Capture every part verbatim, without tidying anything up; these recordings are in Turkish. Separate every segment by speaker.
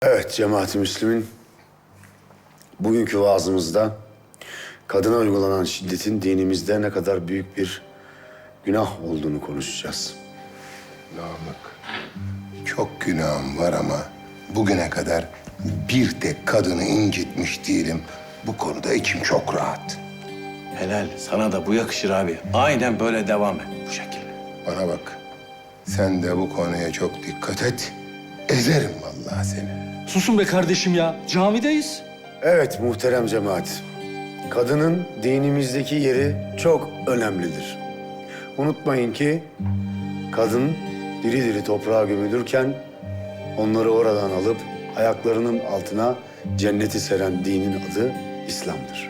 Speaker 1: Evet cemaat-i Müslümin, bugünkü vaazımızda kadına uygulanan şiddetin dinimizde ne kadar büyük bir günah olduğunu konuşacağız.
Speaker 2: Namık, çok günahım var ama bugüne kadar bir tek kadını incitmiş değilim. Bu konuda içim çok rahat.
Speaker 3: Helal. Sana da bu yakışır abi. Aynen böyle devam et bu şekilde.
Speaker 2: Bana bak, sen de bu konuya çok dikkat et. Ezerim vallahi seni.
Speaker 4: Susun be kardeşim ya. Camideyiz.
Speaker 1: Evet muhterem cemaat, kadının dinimizdeki yeri çok önemlidir. Unutmayın ki kadın diri diri toprağa gömülürken onları oradan alıp ayaklarının altına cenneti seren dinin adı İslam'dır.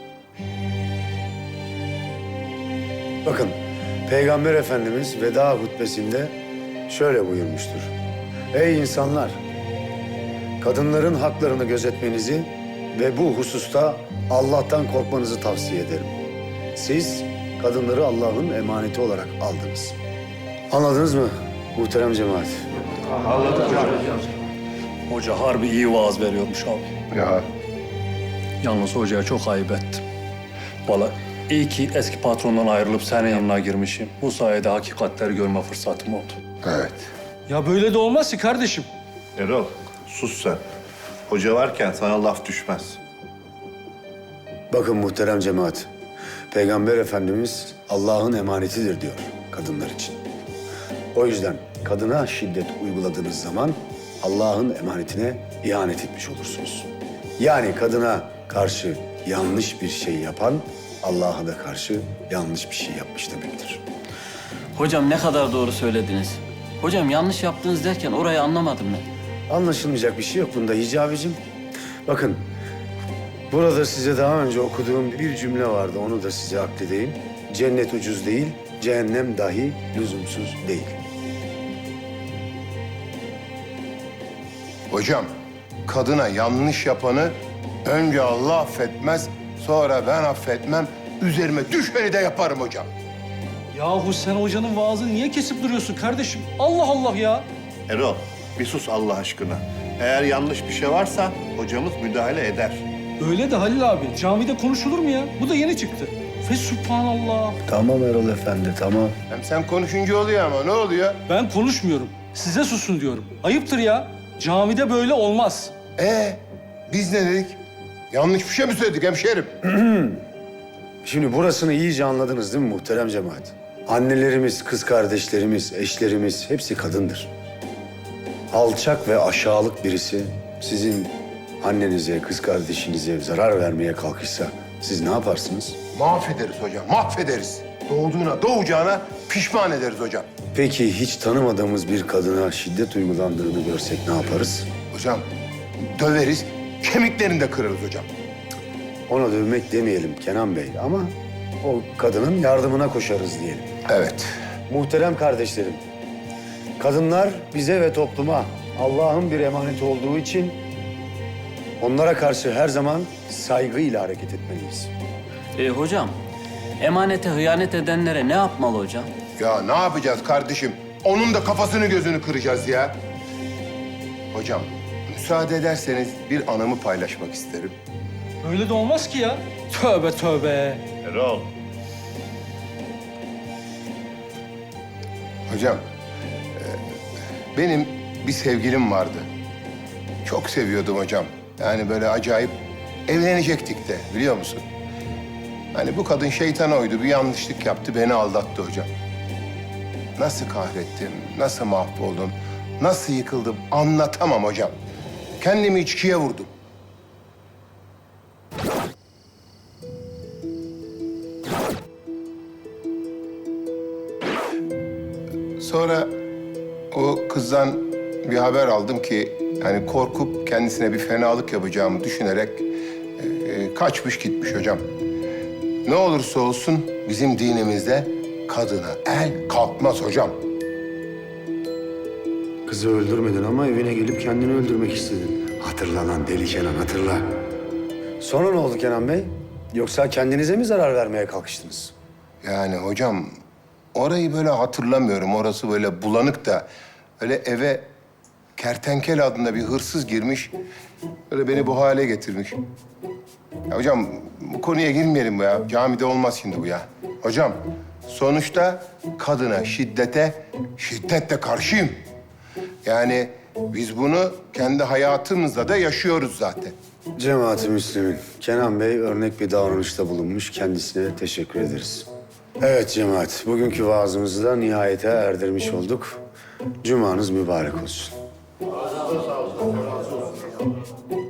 Speaker 1: Bakın, Peygamber Efendimiz veda hutbesinde şöyle buyurmuştur. Ey insanlar! Kadınların haklarını gözetmenizi ve bu hususta Allah'tan korkmanızı tavsiye ederim. Siz kadınları Allah'ın emaneti olarak aldınız. Anladınız mı muhterem cemaat?
Speaker 4: Hoca harbi iyi vaaz veriyormuş abi.
Speaker 2: Ya
Speaker 4: Yalnız hocaya çok ayıp ettim. Vallahi iyi ki eski patrondan ayrılıp senin yanına girmişim. Bu sayede hakikatleri görme fırsatım oldu.
Speaker 2: evet.
Speaker 4: Ya böyle de olmaz ki kardeşim.
Speaker 5: Erol, sus sen. Hoca varken sana laf düşmez.
Speaker 1: Bakın muhterem cemaat, Peygamber Efendimiz Allah'ın emanetidir diyor kadınlar için. O yüzden kadına şiddet uyguladığınız zaman Allah'ın emanetine ihanet etmiş olursunuz. Yani kadına karşı yanlış bir şey yapan Allah'a da karşı yanlış bir şey yapmış demektir.
Speaker 6: Hocam ne kadar doğru söylediniz. Hocam yanlış yaptınız derken orayı anlamadım ben.
Speaker 1: Anlaşılmayacak bir şey yok bunda Hicabicim. Bakın, burada size daha önce okuduğum bir cümle vardı, onu da size akledeyim. Cennet ucuz değil, cehennem dahi lüzumsuz değil.
Speaker 2: Hocam, kadına yanlış yapanı önce Allah affetmez, sonra ben affetmem. Üzerime düşeni de yaparım hocam.
Speaker 4: Yahu sen hocanın vaazını niye kesip duruyorsun kardeşim? Allah Allah ya.
Speaker 5: Erol, bir sus Allah aşkına. Eğer yanlış bir şey varsa hocamız müdahale eder.
Speaker 4: Öyle de Halil abi. Camide konuşulur mu ya? Bu da yeni çıktı. Fe subhanallah.
Speaker 1: Tamam Erol Efendi, tamam.
Speaker 2: Hem sen konuşunca oluyor ama ne oluyor?
Speaker 4: Ben konuşmuyorum. Size susun diyorum. Ayıptır ya. Camide böyle olmaz.
Speaker 2: Ee, biz ne dedik? Yanlış bir şey mi söyledik hemşerim?
Speaker 1: Şimdi burasını iyice anladınız değil mi muhterem cemaat? Annelerimiz, kız kardeşlerimiz, eşlerimiz hepsi kadındır. Alçak ve aşağılık birisi sizin annenize, kız kardeşinize zarar vermeye kalkışsa siz ne yaparsınız?
Speaker 2: Mahvederiz hocam, mahvederiz. Doğduğuna, doğacağına pişman ederiz hocam.
Speaker 1: Peki hiç tanımadığımız bir kadına şiddet uygulandığını görsek ne yaparız?
Speaker 2: Hocam, döveriz, kemiklerini de kırarız hocam.
Speaker 1: Ona dövmek demeyelim Kenan Bey ama o kadının yardımına koşarız diyelim.
Speaker 2: Evet.
Speaker 1: Muhterem kardeşlerim, kadınlar bize ve topluma Allah'ın bir emaneti olduğu için onlara karşı her zaman saygıyla hareket etmeliyiz.
Speaker 6: E, hocam, emanete hıyanet edenlere ne yapmalı hocam?
Speaker 2: Ya ne yapacağız kardeşim? Onun da kafasını gözünü kıracağız ya. Hocam, müsaade ederseniz bir anımı paylaşmak isterim.
Speaker 4: Öyle de olmaz ki ya. Tövbe tövbe.
Speaker 5: Erol,
Speaker 2: Hocam, e, benim bir sevgilim vardı. Çok seviyordum hocam. Yani böyle acayip evlenecektik de biliyor musun? Hani bu kadın şeytan oydu, bir yanlışlık yaptı, beni aldattı hocam. Nasıl kahrettim, nasıl mahvoldum, nasıl yıkıldım anlatamam hocam. Kendimi içkiye vurdum. Sonra o kızdan bir haber aldım ki hani korkup kendisine bir fenalık yapacağımı düşünerek e, kaçmış gitmiş hocam. Ne olursa olsun bizim dinimizde kadına el kalkmaz hocam.
Speaker 1: Kızı öldürmedin ama evine gelip kendini öldürmek istedin. Hatırla lan deli Kenan, hatırla. Sonra ne oldu Kenan Bey? Yoksa kendinize mi zarar vermeye kalkıştınız?
Speaker 2: Yani hocam orayı böyle hatırlamıyorum. Orası böyle bulanık da öyle eve Kertenkele adında bir hırsız girmiş. Böyle beni bu hale getirmiş. Ya hocam bu konuya girmeyelim bu ya. Camide olmaz şimdi bu ya. Hocam sonuçta kadına şiddete şiddetle karşıyım. Yani biz bunu kendi hayatımızda da yaşıyoruz zaten.
Speaker 1: Cemaat-i Müslümin, Kenan Bey örnek bir davranışta bulunmuş. Kendisine teşekkür ederiz. Evet cemaat, bugünkü vaazımızı da nihayete erdirmiş olduk. Cumanız mübarek olsun.